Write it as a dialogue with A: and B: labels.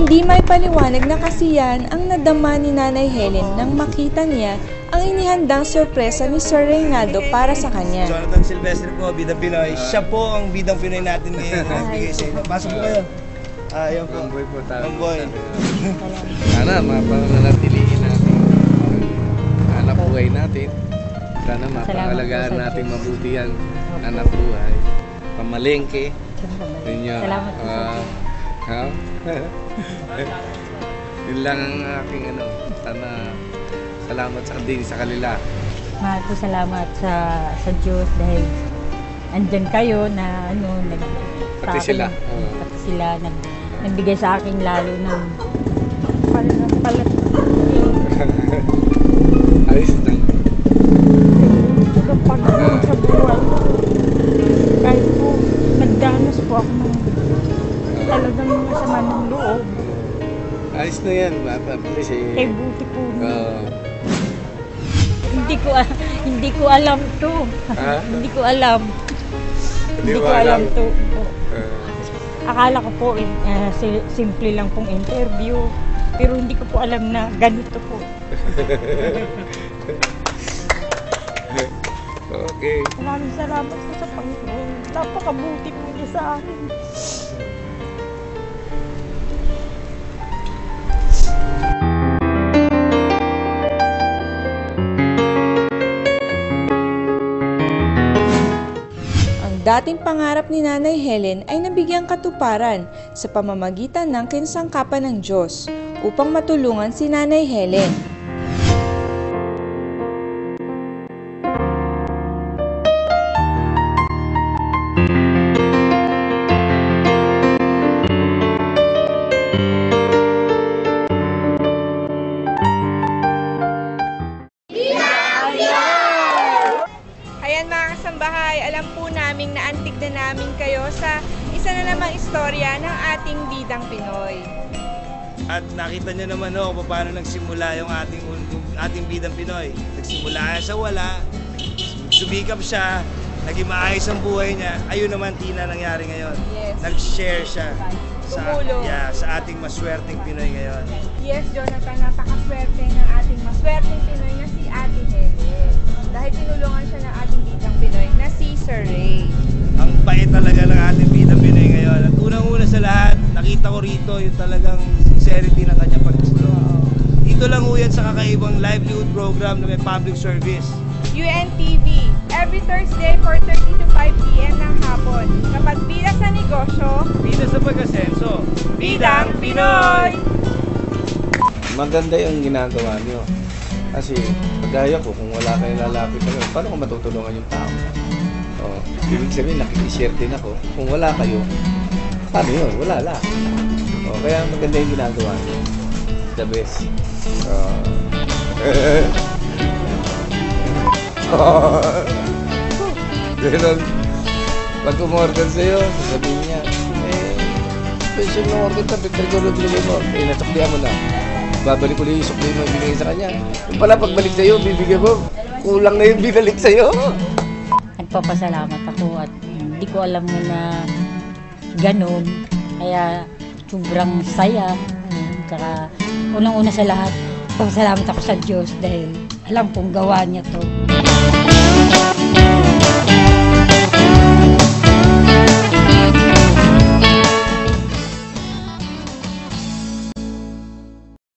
A: Hindi may paliwanag na kasiyahan ang nadama ni Nanay Helen nang makita niya ang inihandang sorpresa ni Sir Reynaldo para sa kanya.
B: Jonathan Silvestre po, Bidang Pinoy. Siya po ang Bidang Pinoy natin ngayon. Nagbigay sa inyo. Pasok po kayo. Ayun po.
C: Ang boy po tayo.
B: Ang boy.
C: Sana mapananatiliin natin anak buhay natin. Sana mapangalagaan natin mabuti ang anak buhay. Pamalengke.
D: Salamat po.
C: Yun lang ang aking sana salamat din sa kanila.
D: Mahal po salamat sa Diyos dahil andyan kayo na
C: Pati sila.
D: Pati sila nagbigay sa akin lalo ng palat.
C: Ayos lang.
D: Pagpagod sa buhay. Kahit po nagdanas po ako ng talagang masama ng loob.
C: Ayos na yan. Please
D: Eh buti po. Hindi ko alam to. Hindi ko alam. Hindi ko alam to. Akala ko po simple lang pong interview. Pero hindi ko po alam na ganito po.
C: Okay.
D: Maraming salamat po sa Panginoon. Napakabuti po niya sa akin.
A: Dating pangarap ni Nanay Helen ay nabigyang katuparan sa pamamagitan ng kinsangkapan ng Diyos upang matulungan si Nanay Helen. Ayan mga kasambahay, alam po namin na antig na namin kayo sa isa na namang istorya ng ating Bidang Pinoy.
B: At nakita nyo naman kung paano nagsimula yung ating Bidang Pinoy. Nagsimula sa wala, sumikap siya, naging maayos ang buhay niya. Ayun naman, Tina, nangyari ngayon.
A: Yes.
B: Nag-share siya sa ating maswerteng Pinoy ngayon.
A: Yes, Jonathan, napakaswerte ng ating maswerteng Pinoy na si Ate Helen. Dahil tinulungan siya ng ating Bidang Pinoy na si Sir Ray.
B: Ang bait talaga ng ating Bidang Pinoy ngayon. At unang-una sa lahat, nakita ko rito yung talagang sincerity ng kanyang pagtulong. Dito lang ho yan sa kakaibang livelihood program na may public service.
A: UNTV, every Thursday 4:30 to 5 p.m. ng hapon. Kapag bida sa negosyo,
B: Bida sa pag-asenso,
A: Bidang Pinoy!
C: Maganda yung ginagawa niyo. Kasi kagaya ko, kung wala kayong lalapit na paano ko matutulungan yung tao? Ibig sabihin, nakikishare din ako. Kung wala kayo, paano yun? Wala lang. Kaya maganda yung ginagawa niyo. The best. Ganun. Pag umorder sa'yo, sasabihin niya, special na order ka, Victor Golo, bilhin mo. Nasuklihan mo na. Babalik ko yung sukli mo, ibigay sa kanya. Yung pala, pagbalik sa'yo, bibigyan mo. Kulang na yung binalik sa'yo.
D: Nagpapasalamat ako at hindi ko alam na ganun. Kaya sobrang saya. Tsaka unang-una sa lahat, pasalamat ako sa Diyos dahil alam kong gawa niya to.